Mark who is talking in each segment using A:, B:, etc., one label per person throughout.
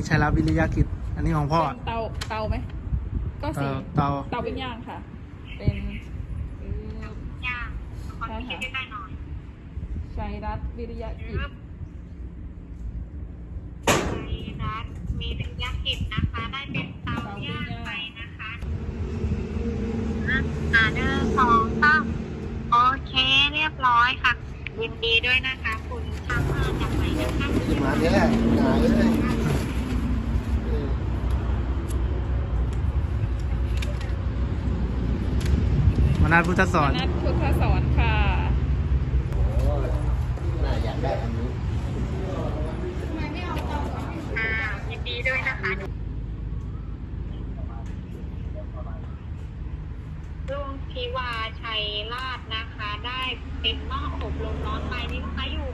A: นี้ชัยรัตน์วิริยะกิจอันนี้ของพ่อ
B: เป็นเตาไหมก็สี
A: เตา
B: เตาเป็นย่างค่ะ เป็น
C: ย่างคนคิดได้หน่อย
B: ชัยรัตน์วิริยะกิจ
C: รัฐมีเป็นยักษ์กิจนะคะ ได้เป็นเตาย่างไปนะคะ1 2 3โอเคเรียบร้อยค่ะ ยินดีด้วยนะคะคุณช่างภาพจากไหนนะคะ
D: มาเนี่ยหนาเลย
A: มนัสพุทธสอน
B: นัทพุทธสอนค่ะ
D: โอ้ยน่าอยากได้อันนี้
C: ยินดีด้วยนะคะลุงพิวาชัยราชนะคะ ได้เป็นหม้ออบลมร้อนไปนี่ลูกค้าอยู่ไหม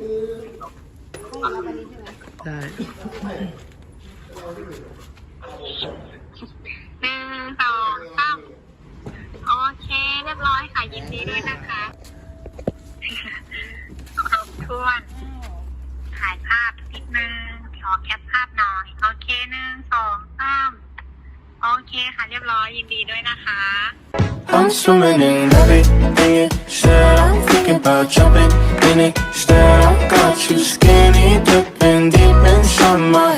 A: ใช่
C: 1 2 3โอเคเรียบร้อยค่ะยินดีด้วยนะคะครบถ้วนถ่ายภาพนิดนึงขอแคปภาพหน่อยโอเค1 2 3โอเคค่ะเรียบร้อยยินดีด้วยนะคะ
E: I'm swimming in everything you said. I'm thinking about jumping in it. Instead, I got you skinny dipping deep inside my